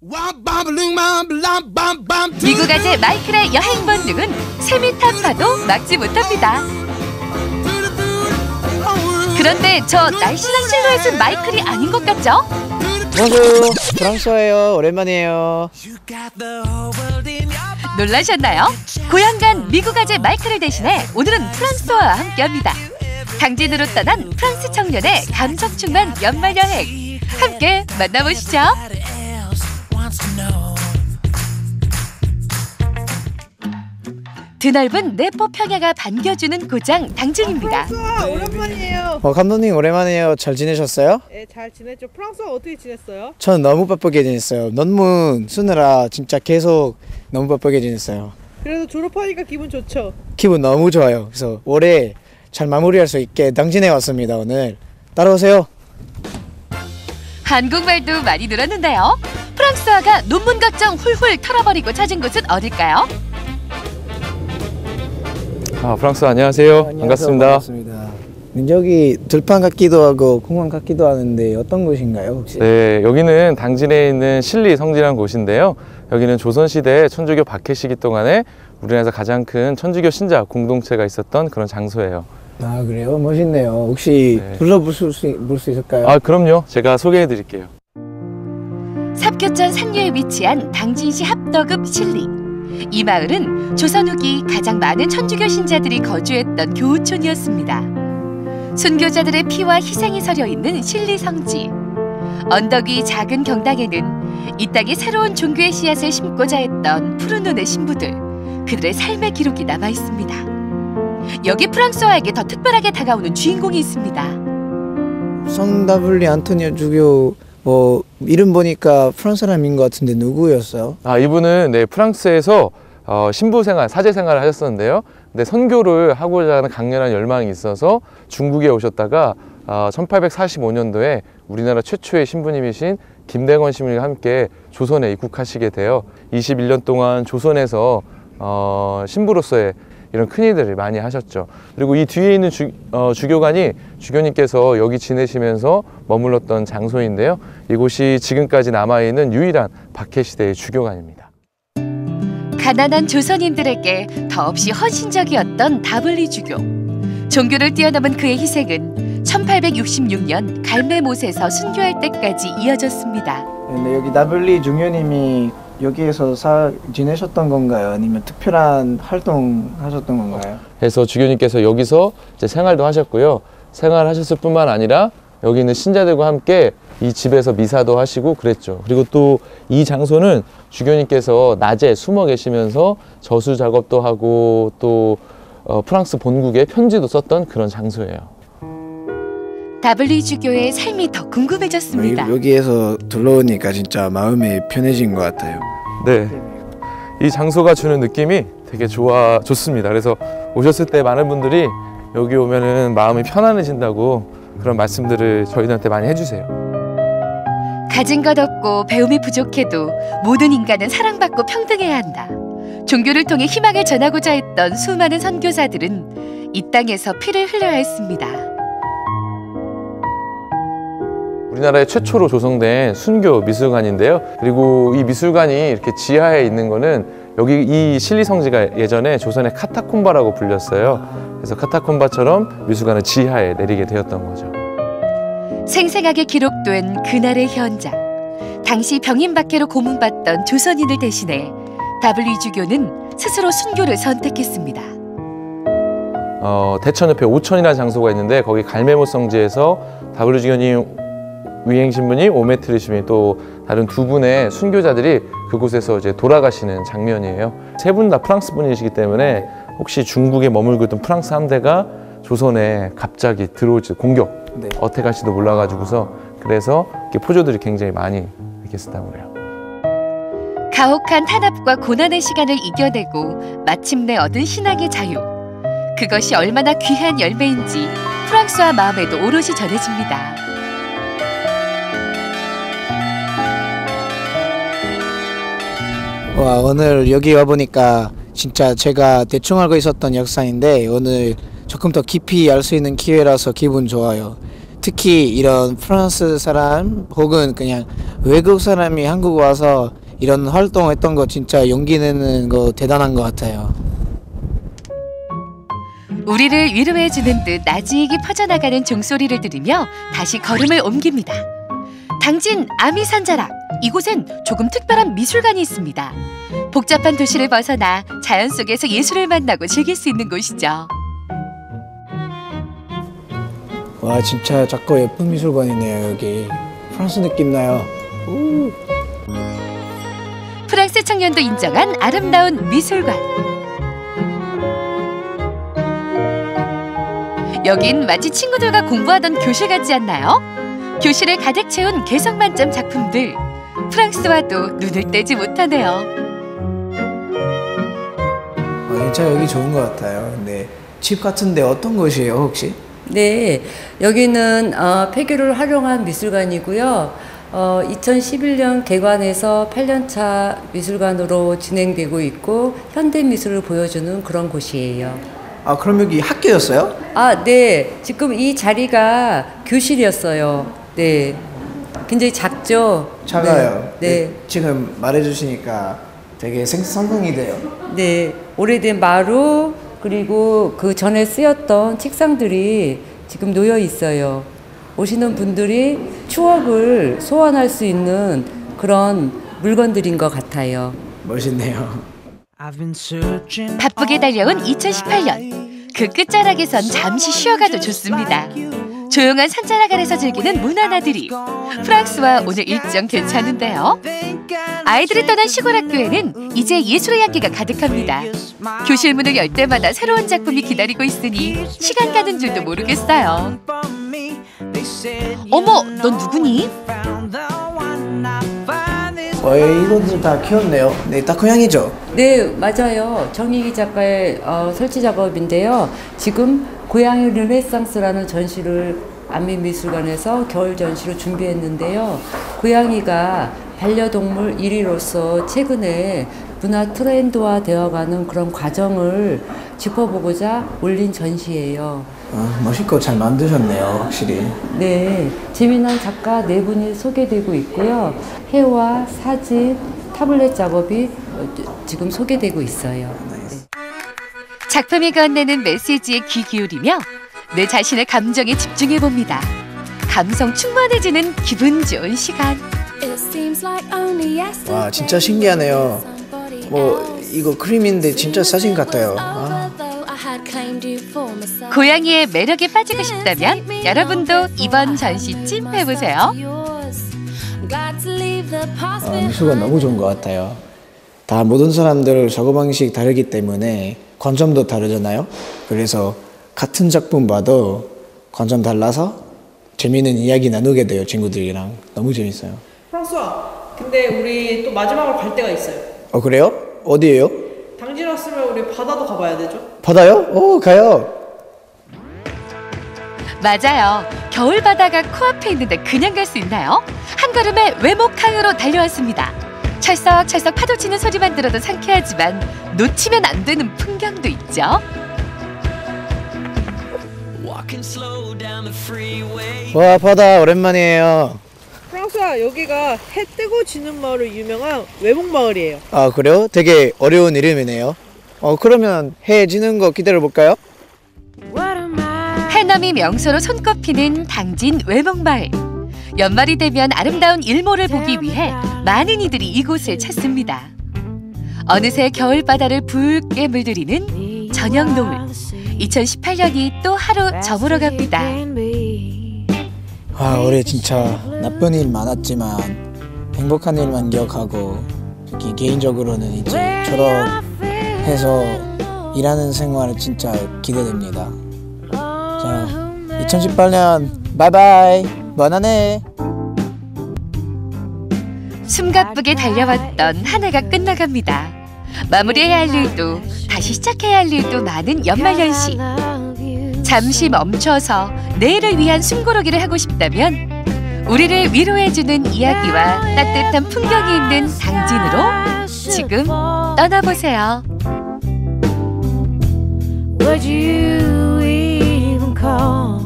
미국 아재 마이클의 여행 본능은 셈이 타파도 막지 못합니다. 그런데 저 날씬한 실루엣은 마이클이 아닌 것 같죠? 안녕하세요. 프랑스어예요. 오랜만이에요. 놀라셨나요? 고향간 미국 아재 마이클을 대신해 오늘은 프랑스어와 함께합니다. 당진으로 떠난 프랑스 청년의 감성 충만 연말 여행 함께 만나보시죠. 드넓은 내포 평야가 반겨주는 고장 당진입니다. 프랑스어 오랜만이에요. 감독님 오랜만이에요. 잘 지내셨어요? 네, 잘 지냈죠. 프랑스어 어떻게 지냈어요? 전 너무 바쁘게 지냈어요. 논문 쓰느라 진짜 계속 너무 바쁘게 지냈어요. 그래도 졸업하니까 기분 좋죠? 기분 너무 좋아요. 그래서 올해 잘 마무리할 수 있게 당진에 왔습니다. 오늘 따라오세요. 한국말도 많이 늘었는데요. 프랑스어가 논문 걱정 훌훌 털어버리고 찾은 곳은 어딜까요? 프랑스 안녕하세요. 반갑습니다. 여기 들판 같기도 하고 공원 같기도 하는데 어떤 곳인가요 혹시? 네, 여기는 당진에 있는 신리 성지라는 곳인데요. 여기는 조선시대 천주교 박해 시기 동안에 우리나라에서 가장 큰 천주교 신자 공동체가 있었던 그런 장소예요. 아 그래요? 멋있네요. 혹시 네. 둘러볼 수 있을까요? 그럼요. 제가 소개해 드릴게요. 삽교천 상류에 위치한 당진시 합덕읍 신리. 이 마을은 조선 후기 가장 많은 천주교 신자들이 거주했던 교우촌이었습니다. 순교자들의 피와 희생이 서려 있는 신리 성지. 언덕 위 작은 경당에는 이 땅에 새로운 종교의 씨앗을 심고자 했던 푸른 눈의 신부들, 그들의 삶의 기록이 남아 있습니다. 여기 프랑스어에게 더 특별하게 다가오는 주인공이 있습니다. 성 다블리 안토니오 주교 이름 보니까 프랑스 사람인 것 같은데 누구였어요? 이분은 프랑스에서 신부 생활, 사제 생활을 하셨었는데요. 근데 선교를 하고자 하는 강렬한 열망이 있어서 중국에 오셨다가 1845년도에 우리나라 최초의 신부님이신 김대건 신부님과 함께 조선에 입국하시게 되어 21년 동안 조선에서 신부로서의 이런 큰일들을 많이 하셨죠. 그리고 이 뒤에 있는 주교관이 주교님께서 여기 지내시면서 머물렀던 장소인데요. 이곳이 지금까지 남아있는 유일한 박해시대의 주교관입니다. 가난한 조선인들에게 더없이 헌신적이었던 다블리 주교. 종교를 뛰어넘은 그의 희생은 1866년 갈매못에서 순교할 때까지 이어졌습니다. 근데 여기 다블리 주교님이 여기에서 지내셨던 건가요? 아니면 특별한 활동 하셨던 건가요? 그래서 주교님께서 여기서 이제 생활도 하셨고요. 생활하셨을 뿐만 아니라 여기 있는 신자들과 함께 이 집에서 미사도 하시고 그랬죠. 그리고 또 이 장소는 주교님께서 낮에 숨어 계시면서 저수 작업도 하고 또 프랑스 본국에 편지도 썼던 그런 장소예요. 다블리 주교의 삶이 더 궁금해졌습니다. 여기에서 둘러오니까 진짜 마음이 편해진 것 같아요. 네, 이 장소가 주는 느낌이 되게 좋습니다. 그래서 오셨을 때 많은 분들이 여기 오면은 마음이 편안해진다고 그런 말씀들을 저희들한테 많이 해주세요. 가진 것 없고 배움이 부족해도 모든 인간은 사랑받고 평등해야 한다. 종교를 통해 희망을 전하고자 했던 수많은 선교사들은 이 땅에서 피를 흘려야 했습니다. 우리나라의 최초로 조성된 순교 미술관인데요. 그리고 이 미술관이 이렇게 지하에 있는 거는 여기 이 신리 성지가 예전에 조선의 카타콤바라고 불렸어요. 그래서 카타콤바처럼 미술관은 지하에 내리게 되었던 거죠. 생생하게 기록된 그날의 현장. 당시 병인 박해로 고문받던 조선인을 대신해 다블리 주교는 스스로 순교를 선택했습니다. 대천 옆에 오천이라는 장소가 있는데 거기 갈매못 성지에서 다블리 주교님 위행 신부님, 오메트리 신부님 또 다른 두 분의 순교자들이 그곳에서 이제 돌아가시는 장면이에요. 세 분 다 프랑스 분이시기 때문에 혹시 중국에 머물고 있던 프랑스 함대가 조선에 갑자기 들어올지 공격, 어택할지도 몰라가지고서 그래서 이렇게 포조들이 굉장히 많이 이렇게 쓰다고 그래요. 가혹한 탄압과 고난의 시간을 이겨내고 마침내 얻은 신앙의 자유. 그것이 얼마나 귀한 열매인지 프랑스와 마음에도 오롯이 전해집니다. 오늘 여기 와보니까 진짜 제가 대충 알고 있었던 역사인데 오늘 조금 더 깊이 알 수 있는 기회라서 기분 좋아요. 특히 이런 프랑스 사람 혹은 그냥 외국 사람이 한국 와서 이런 활동했던 거 진짜 용기 내는 거 대단한 것 같아요. 우리를 위로해주는 듯 나지익이 퍼져나가는 종소리를 들으며 다시 걸음을 옮깁니다. 당진 아미산자락, 이곳엔 조금 특별한 미술관이 있습니다. 복잡한 도시를 벗어나 자연 속에서 예술을 만나고 즐길 수 있는 곳이죠. 와 진짜 작고 예쁜 미술관이네요. 여기 프랑스 느낌 나요. 오. 프랑스 청년도 인정한 아름다운 미술관. 여긴 마치 친구들과 공부하던 교실 같지 않나요? 교실을 가득 채운 개성 만점 작품들. 프랑스와도 눈을 떼지 못하네요. 진짜 여기 좋은 것 같아요. 근데 집 같은데 어떤 곳이에요 혹시? 네, 여기는 폐교를 활용한 미술관이고요. 2011년 개관해서 8년차 미술관으로 진행되고 있고 현대미술을 보여주는 그런 곳이에요. 아 그럼 여기 학교였어요? 아, 네. 지금 이 자리가 교실이었어요. 네. 굉장히 작죠? 작아요. 네. 네. 지금 말해주시니까 되게 상상이 돼요. 네. 오래된 마루 그리고 그 전에 쓰였던 책상들이 지금 놓여 있어요. 오시는 분들이 추억을 소환할 수 있는 그런 물건들인 것 같아요. 멋있네요. 바쁘게 달려온 2018년. 그 끝자락에선 잠시 쉬어가도 좋습니다. 조용한 산자락 아래서 즐기는 문화나들이. 프랑스와 오늘 일정 괜찮은데요. 아이들이 떠난 시골 학교에는 이제 예술의 향기가 가득합니다. 교실 문을 열 때마다 새로운 작품이 기다리고 있으니 시간 가는 줄도 모르겠어요. 어머, 넌 누구니? 이것도 다 키웠네요. 네, 다 고양이죠? 네, 맞아요. 정희기 작가의 설치 작업인데요. 지금 고양이 르네상스라는 전시를 안민미술관에서 겨울 전시로 준비했는데요. 고양이가 반려동물 1위로서 최근에 문화 트렌드화 되어가는 그런 과정을 짚어보고자 올린 전시예요. 멋있고 잘 만드셨네요, 확실히. 네, 재미난 작가 4분이 소개되고 있고요. 회화, 사진, 타블렛 작업이 지금 소개되고 있어요. 작품이 건네는 메시지에 귀 기울이며 내 자신의 감정에 집중해봅니다. 감성 충만해지는 기분 좋은 시간. 와, 진짜 신기하네요. 이거 그림인데 진짜 사진 같아요. 고양이의 매력에 빠지고 싶다면 여러분도 이번 전시쯤 해보세요. 미술관 너무 좋은 것 같아요. 다 모든 사람들 사고방식 다르기 때문에 관점도 다르잖아요. 그래서 같은 작품 봐도 관점 달라서 재미있는 이야기 나누게 돼요. 친구들이랑. 너무 재밌어요. 프랑스와, 근데 우리 또 마지막으로 갈 데가 있어요. 그래요? 어디예요? 당진 왔으면 우리 바다도 가봐야 되죠? 바다요? 가요. 맞아요. 겨울 바다가 코앞에 있는데 그냥 갈 수 있나요? 한 걸음에 외목항으로 달려왔습니다. 철썩철썩 파도 치는 소리만 들어도 상쾌하지만 놓치면 안 되는 풍경도 있죠. 와, 바다 오랜만이에요. 프랑스와, 여기가 해 뜨고 지는 마을로 유명한 외목마을이에요. 아, 그래요? 되게 어려운 이름이네요. 그러면 해 지는 거 기다려볼까요? 해넘이 명소로 손꼽히는 당진 외목마을. 연말이 되면 아름다운 일몰을 보기 위해 많은 이들이 이곳을 찾습니다. 어느새 겨울바다를 붉게 물들이는 저녁 노을. 2018년이 또 하루 저물어 갑니다. 올해 진짜 나쁜 일 많았지만 행복한 일만 기억하고 개인적으로는 이제 졸업해서 일하는 생활 진짜 기대됩니다. 자, 2018년 바이바이. 번안해. 숨가쁘게 달려왔던 한 해가 끝나갑니다. 마무리해야 할 일도 다시 시작해야 할 일도 많은 연말연시. 잠시 멈춰서 내일을 위한 숨고르기를 하고 싶다면 우리를 위로해주는 이야기와 따뜻한 풍경이 있는 당진으로 지금 떠나보세요. Would you even call?